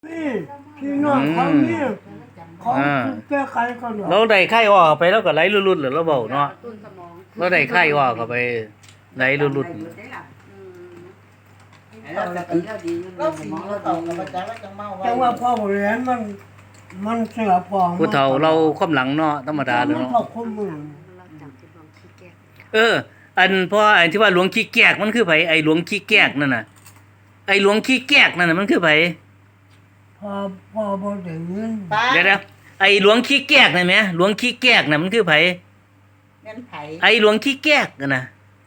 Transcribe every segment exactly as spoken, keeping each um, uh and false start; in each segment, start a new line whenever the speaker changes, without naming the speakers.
นี่พี่น้องเขาเนี่ยเขาแก้ไขกันเหรอ
เราได้ไข้ออกไปแล้วก็ไหลรุดๆเหรอเราเบาเนาะเราได้ไข้ออกเข้าไปไหลรุดๆ
เราสติเราดีเราสีเราตกกับประจักษ์จังเมาไว้
แต่ว่าพ่อเหรียญมันมันเสือปอง
ผู้เฒ่าเราความหลังเนาะธรรมดาเลย
มัน
เนาะ
เข้าคนมือ
เออ อันพ่ออันที่ว่าหลวงขี้แกกมันคือไผไอ้หลวงขี้แกกนั่นน่ะไอ้หลวงขี้แกกนั่นน่ะมันคือไผ
พอพอบ่ได้เงิน
เดี๋ยวๆไอ้หลวงขี้แกกนั่นแหมหลวงขี้แกกน่ะมันคือไผ
เงินไผ
ไอ้หลวงขี้แกกนั่นน่ะ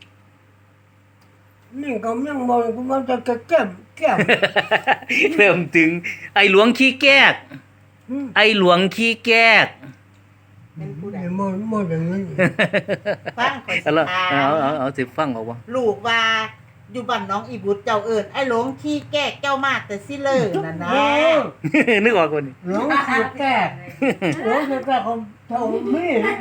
นี่ก็ยังบ่กูมันจะแก้มแก้ม
เริ่มถึงไอ้หลวงขี้แกกไอ้หลวงขี้แกก
เป็นผู้ใด
ไอ้บ่บ่ได้เงิน
ฟังคอย
เอา
สิ
ละ
ถา
เอา
ม
เอาเอาสิฟังเอาบ่
ลูกว่าอยู่บ้านน้องอีบุตรเจ้าเอิญไอ้หลงขี้แก้เจ้ามาแต่สิเลอน่ะนะ
นึกออกคนนี้
หลวงสิแก้หลวงสิแก้เขาเท่ามี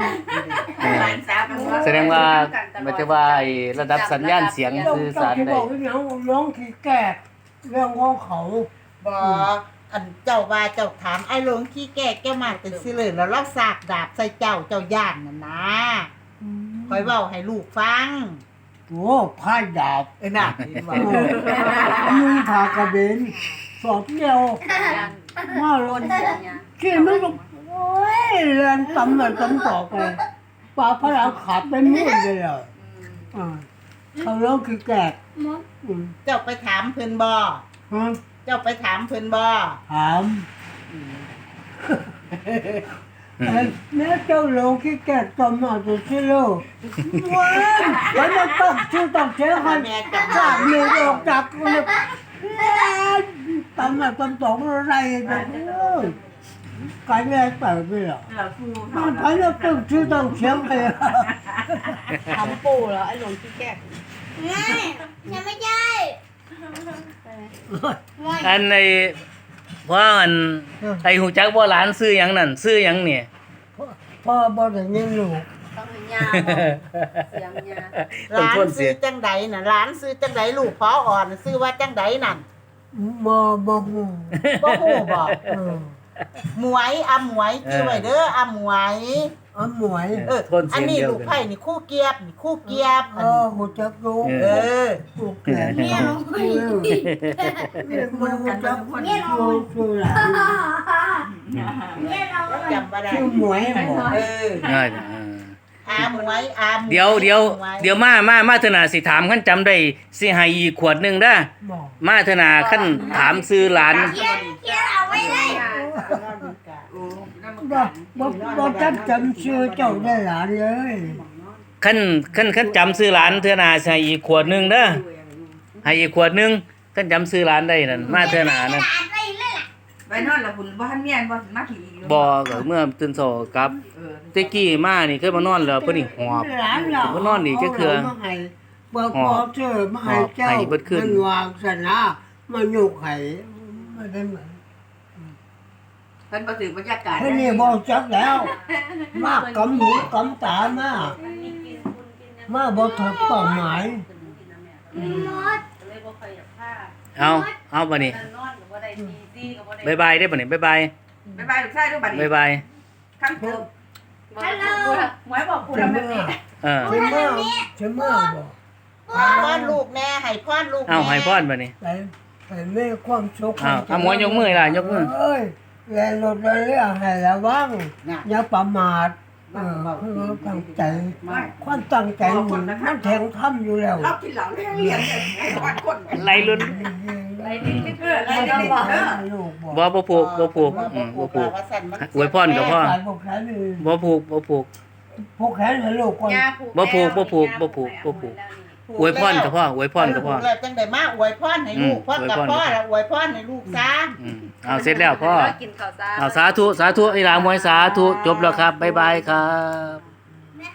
แสดงว่ามันจะว่าไอ้ระดับสัญญาณเสียง
เจ้า
สื่อ
เจ้า
สาร
ที่
ได้
บอกว่าหยังหลวงสิแก้เรื่องของเขา
บ่อันเจ้าว่าเจ้าถามไอ้หลงขี้แก้เจ้ามาแต่สิเลอแล้วเราสากดาบใส่เจ้าเจ้าย่านน่ะนะคอยเว้าให้ลูกฟัง
โอ้พายดาบ
เออน่ะเห็นบ่
โอ้มือผ่ากระเบนสอบเดียวมาลนที่มันก็โอ้ยเรียนตำเลยตำต่อไปปลาพระราขาดไปมุ่นเลยอ่ะอ่าเขาเล่าคือแกกอืม
เจ้าไปถามเพิ่นบ่
ฮะ
เจ้าไปถามเพิ่นบ่
ถามเอ้ยแม่เจ้าหลงคือแกกตำมาจะเชื่อโลกว้าวแล้วมันต้องชื่อต้องเชื่อกัน
แม่จัง
จากเมืองออกจากเมืองตำมาตำสองอะไรกันเลยกายแม่เปิดไปหรอมันไปแล้วต้องชื่อต้องเสียงไป
ทำปู่เหรอไอ้หลงขี้แก้
ยังไม่ใช่
อันในเพราะอันไอ้หูจักบ่หลานซื้อหยังนั่นซื้อหยังเนี่ย
พ่อบ่ได้ยินลูก
ต้องเป็นยาเสียงยา
ร้านซื้อจังใดน่ะร้านซื้อจังใดลูกพออ่อนซื้อว่าจังใดนั่น
บ่บ่ฮู้
บ่ฮู้บ่
เออ
หมวยอาหมวยชื่อไว้เด้ออาหมวย
อาหมวย
เอออันนี้ลูกไผ่นี่คู่เกียบนี่คู่เกียบ
เออฮู้จักลูก
เออ
ลูกแก่เนี่ยลูกเออเนี่ยมันฮู้จักลูกชื่อหลาน
จำบ่ได้
ชื่อหมวยบ่
เออ
ง่าย
อาหมวยอาหมวย
เดี๋ยวเดี๋ยว
หม
เดี๋ยวมามามาเถอะนาสิถามขั้นจำได้สิให้อีกขวดหนึงเด้อ
บ่
มาเถอะนาขั้นถามซื้อหลาน
เขียนเขียนเอาไว้เลย
บ่บ่บ่จักจำชื่อเจ้าได้หลานเลย
ขั้นขั้นขั้นจำซื้อหลานเถอะนาสิให้อีกขวดหนึงเด้อให้อีกขวดหนึงขั้นจำซื้อหลานได้นั่นมาเถอะนานั่น
อ่านไว้เลยล่ะ
ไปนอนละคุณบ่ทันเมียนบ่มาผีอีกอยู่
บ่ก็เมื่อตื่นเช้ากลับ
เออ
แตะกี้มานี่เคยมานอนแล้วเพิ่นนี่หอบ
หลานเรา
เพิ่นนอนนี่จักเทื่อ
มาให้เบิกพอเจอมาให้เจ้า
หอบให้เบิดขึ้น
มันวางสนะมันอยู่ไข่ไม่ได้เหมือน
เพิ่นบ่ถือบรรยากาศ
แค่นี้บอกจักแล้ว มากกำหูกำตามามาบอกถูกเป้าหมาย
มด
เอาเอาบัดนี้บ๊ายบายได้อบัดนี้บ๊ายบาย
บ๊ายบายลูกชายดูบัดนี้
บ๊ายบาย
ข้างโคก
ฮัลโหล
หมวยบอกกู
เชื่อ
ทำแบ
เมื่
บ
อ
นี้
เออ
เชื่อเมื่อเชื่อเมื่อบอก
ให้พรลูกแน่ให้พรลูกแน่
เอาให้พรบัดนี้
ไปไปไม่ความสุข
เอาเอาหมวยยกมือล่ะยกมือ
เอ้ยแรงรถเรื่องให้ระวัง
น่ะ
อย่าประมาทเออเพื่อตั้งใจความตั้งใจมันมันแทงทำอยู่แล้ว
รอบที่หลังเรียนเรียนไอ้วัดคน
ไล่ลุ้น
เอออะไร
ไม่
นี่
ต้อง
เออ
ลูกบอก
บ่บ่ผูกบ่ผูกอืมบ่ผูก
ว่าสั่นมัน
อวยพรกับพ่อ
สายพวกแขนนี่
บ่ผูกบ่ผูก
พวกแขนให้ลูกก่อน
บ่ผูกบ่ผูกบ่ผูกบ่ผูกอวยพรกับพ่ออวยพรกับพ่อ
แล้วจังได้มาอวยพรให้ลูก
อืม
พ่อกับ
อวยพร
พ่อแล้วอวยพรให้ลูกซะ
อืมเอาเสร็จแล้วพ่อ
กินข้าวซา
เอาสาธุสาธุไอ้หลานมวยสาธุจบแล้วครับบ๊ายบายครับ